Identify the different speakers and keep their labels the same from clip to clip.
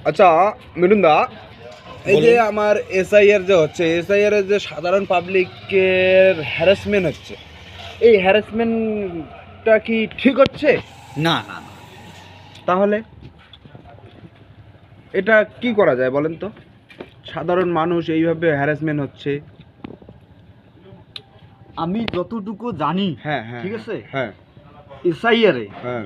Speaker 1: আচ্ছা মিঠুন দা, এই যে আমার এসআইআর যে হচ্ছে, এসআইআর এর যে সাধারণ পাবলিকের হ্যারাসমেন্ট হচ্ছে, এই হ্যারাসমেন্টটা কি ঠিক হচ্ছে?
Speaker 2: না না না,
Speaker 1: তাহলে এটা কি করা যায় বলেন তো? সাধারণ মানুষ এইভাবে হ্যারাসমেন্ট হচ্ছে।
Speaker 2: আমি যতটুকু জানি,
Speaker 1: হ্যাঁ হ্যাঁ,
Speaker 2: ঠিক আছে,
Speaker 1: হ্যাঁ
Speaker 2: এসআইআর
Speaker 1: হ্যাঁ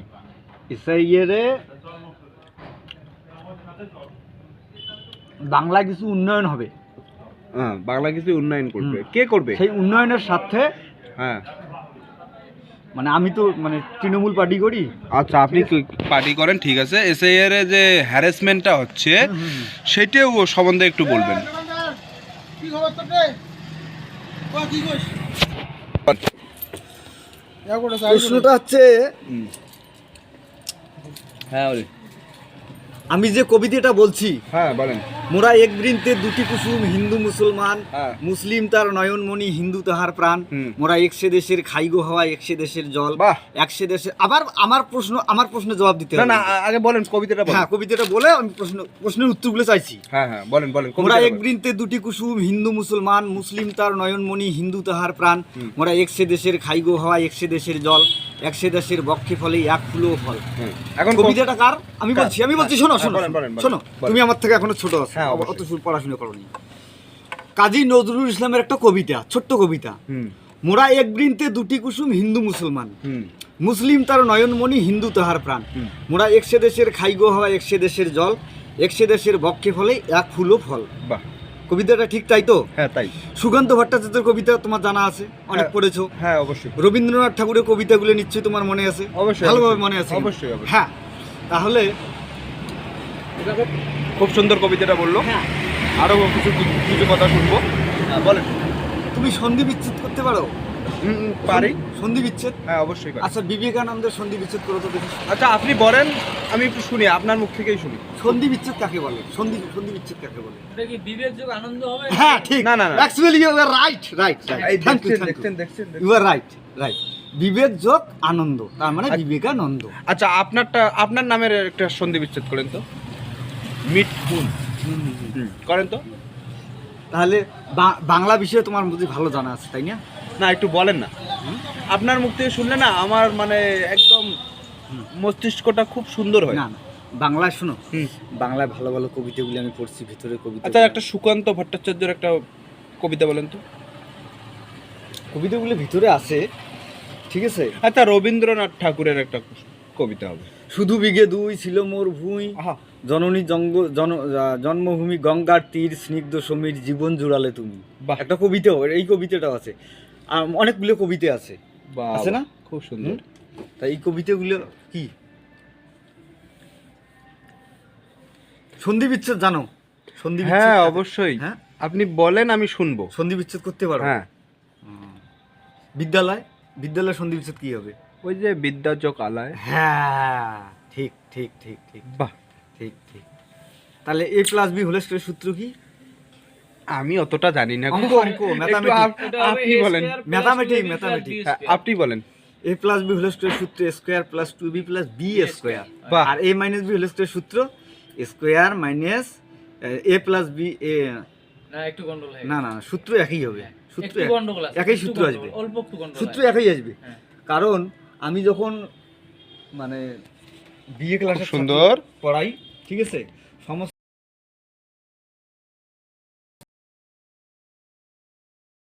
Speaker 2: বাংলা কিছু উন্নয়ন হবে।
Speaker 1: হ্যাঁ, বাংলা কিছু উন্নয়ন করবে। কে করবে?
Speaker 2: সেই উন্নয়নের সাথে,
Speaker 1: হ্যাঁ,
Speaker 2: মানে আমি তো মানে তৃণমূল পার্টি করি।
Speaker 1: আচ্ছা আপনি পার্টি করেন, ঠিক আছে। এসআইআর এ যে হ্যারাসমেন্টটা হচ্ছে সেটাও সম্বন্ধে একটু বলবেন।
Speaker 2: প্রশ্নটা হচ্ছে,
Speaker 1: হ্যাঁ
Speaker 2: আমি যে কবিতাটা বলছি,
Speaker 1: হ্যাঁ বলেন।
Speaker 2: মোরা এক বৃন্তে দুটি কুসুম, হিন্দু মুসলমান,
Speaker 1: হ্যাঁ।
Speaker 2: মুসলিম তার নয়নমণি, হিন্দু তাহার প্রাণ। মোরা একসে দেশের খাইগো হাওয়া, একসে দেশের জল,
Speaker 1: বাহ।
Speaker 2: একসে দেশের। আবার আমার প্রশ্ন জবাব দিতে
Speaker 1: না
Speaker 2: হবে।
Speaker 1: না, আগে বলেন কবিতাটা বলেন।
Speaker 2: হ্যাঁ, কবিতাটা বলে আমি প্রশ্নের উত্তরগুলো চাইছি।
Speaker 1: হ্যাঁ হ্যাঁ বলেন বলেন।
Speaker 2: মোরা এক বৃন্তে দুটি কুসুম, হিন্দু মুসলমান, মুসলিম তার নয়নমণি, হিন্দু তাহার প্রাণ। মোরা একসে দেশের খাইগো হাওয়া, একসে দেশের জল, একসে দেশের বক্ষে ফলে এক ফুলও ফল।
Speaker 1: এখন
Speaker 2: কবিতাটা কার? আমি বলছি, শোনো শোনো শোনো, তুমি আমার থেকে এখনো ছোট আছো,
Speaker 1: হ্যাঁ,
Speaker 2: অত পড়াশোনা করোনি। কাজী নজরুল ইসলামের একটা কবিতা, ছোট্ট কবিতা। মোরা এক বৃন্তে দুটি কুসুম, হিন্দু মুসলমান, মুসলিম তার নয়নমণি, হিন্দু তাহার প্রাণ। মোরা একসে দেশের খাইগো হাওয়া, একসে দেশের জল, একসে দেশের বক্ষে ফলে এক ফুলও ফল।
Speaker 1: বাহ,
Speaker 2: কবিতাটা ঠিক তাই তো?
Speaker 1: হ্যাঁ তাই।
Speaker 2: সুকান্ত ভট্টাচার্যের কবিতা তোমার জানা আছে, অনেক পড়েছো।
Speaker 1: হ্যাঁ অবশ্যই।
Speaker 2: রবীন্দ্রনাথ ঠাকুরের কবিতাগুলো নিশ্চয়ই তোমার মনে আছে,
Speaker 1: অবশ্যই
Speaker 2: ভালোভাবে মনে আছে।
Speaker 1: অবশ্যই।
Speaker 2: হ্যাঁ, তাহলে
Speaker 1: খুব সুন্দর কবিতাটা বললো।
Speaker 2: হ্যাঁ,
Speaker 1: আরো কিছু কথা শুনবো। বলেন।
Speaker 2: তুমি সন্ধি বিচ্ছেদ করতে পারো?
Speaker 1: পারি।
Speaker 2: সন্ধি বিচ্ছেদ?
Speaker 1: হ্যাঁ অবশ্যই পারি।
Speaker 2: আচ্ছা, বিবেকানন্দের সন্ধি বিচ্ছেদ করো তো দেখি।
Speaker 1: আচ্ছা আপনি বলেন, আমি একটু শুনি, আপনার মুখ থেকেই শুনি।
Speaker 2: সন্ধি বিচ্ছেদ কাকে বলে? সন্ধি বিচ্ছেদ কাকে বলে?
Speaker 3: এটা কি বিবেকযোগ আনন্দ হবে?
Speaker 2: হ্যাঁ ঠিক।
Speaker 1: না, না, না।
Speaker 2: Actually you are right.
Speaker 1: এই
Speaker 2: থ্যাংক ইউ।
Speaker 1: দেখছেন।
Speaker 2: You are right. বিবেক যোগ আনন্দ, তার মানে বিবেকানন্দ।
Speaker 1: আচ্ছা আপনার নামের একটা সন্ধি বিচ্ছেদ করেন তো। মিঠুন করেন তো।
Speaker 2: তাহলে বাংলা বিষয়ে তোমার বুঝি ভালো জানা আছে, তাই না?
Speaker 1: না একটু বলেন না, আপনার মুখ থেকে শুনলে না আমার মানে একদম মস্তিষ্কটা খুব সুন্দর হয়।
Speaker 2: না না, বাংলায় শোনো, বাংলায় ভালো ভালো কবিতাগুলি আমি পড়ছি, ভিতরে কবিতা।
Speaker 1: আচ্ছা একটা সুকান্ত ভট্টাচার্যের একটা কবিতা বলেন তো।
Speaker 2: কবিতাগুলি ভিতরে আছে, ঠিক আছে।
Speaker 1: আচ্ছা রবীন্দ্রনাথ ঠাকুরের একটা কবিতা হবে।
Speaker 2: শুধু বিঘে দুই ছিল মোর ভুঁই, জননী জন্মভূমি গঙ্গার তীর, স্নিগ্ধ সমীর জীবন জুড়ালে তুমি। একটা কবিতাও, এই কবিতাটাও আছে। আর অনেকগুলো কবিতা আছে, আছে না?
Speaker 1: খুব সুন্দর।
Speaker 2: তাই এই কবিতাগুলো কি সন্ধি বিচ্ছেদ জানো? সন্ধি বিচ্ছেদ?
Speaker 1: হ্যাঁ অবশ্যই।
Speaker 2: হ্যাঁ,
Speaker 1: আপনি বলেন, আমি শুনবো।
Speaker 2: সন্ধি বিচ্ছেদ করতে পারো?
Speaker 1: হ্যাঁ।
Speaker 2: বিদ্যালয় সন্ধি বিচ্ছেদ কি হবে?
Speaker 1: ওই যে বিদ্যাযোগ আলায়।
Speaker 2: হ্যাঁ, ঠিক।
Speaker 1: বাহ,
Speaker 2: ঠিক। তাহলে a + b হোল স্কয়ারের সূত্র কি?
Speaker 1: আমি অতটা জানি না।
Speaker 2: অঙ্ক,
Speaker 1: আপনি বলেন।
Speaker 2: ম্যাথামেটিক্স।
Speaker 1: আপনি বলেন।
Speaker 2: a + b হোল স্কয়ারের সূত্র a square + 2b + b square.
Speaker 1: বাহ।
Speaker 2: আর a - b হোল স্কয়ারের সূত্র a square minus a + b a।
Speaker 3: না একটু গন্ডগোল হয়।
Speaker 2: না সূত্র একই হবে, সূত্র
Speaker 3: একটু গন্ডগোল আছে,
Speaker 2: একই
Speaker 3: একটু
Speaker 2: সূত্র
Speaker 3: গন্ডগোল,
Speaker 2: আসবে,
Speaker 3: অল্প একটু গন্ডগোল
Speaker 2: সূত্র
Speaker 3: আছে।
Speaker 2: একই আসবে।
Speaker 3: হ্যাঁ।
Speaker 2: কারণ আমি যখন মানে বিএ ক্লাসে
Speaker 1: সুন্দর
Speaker 2: পড়াই, ঠিক আছে, সমস্ত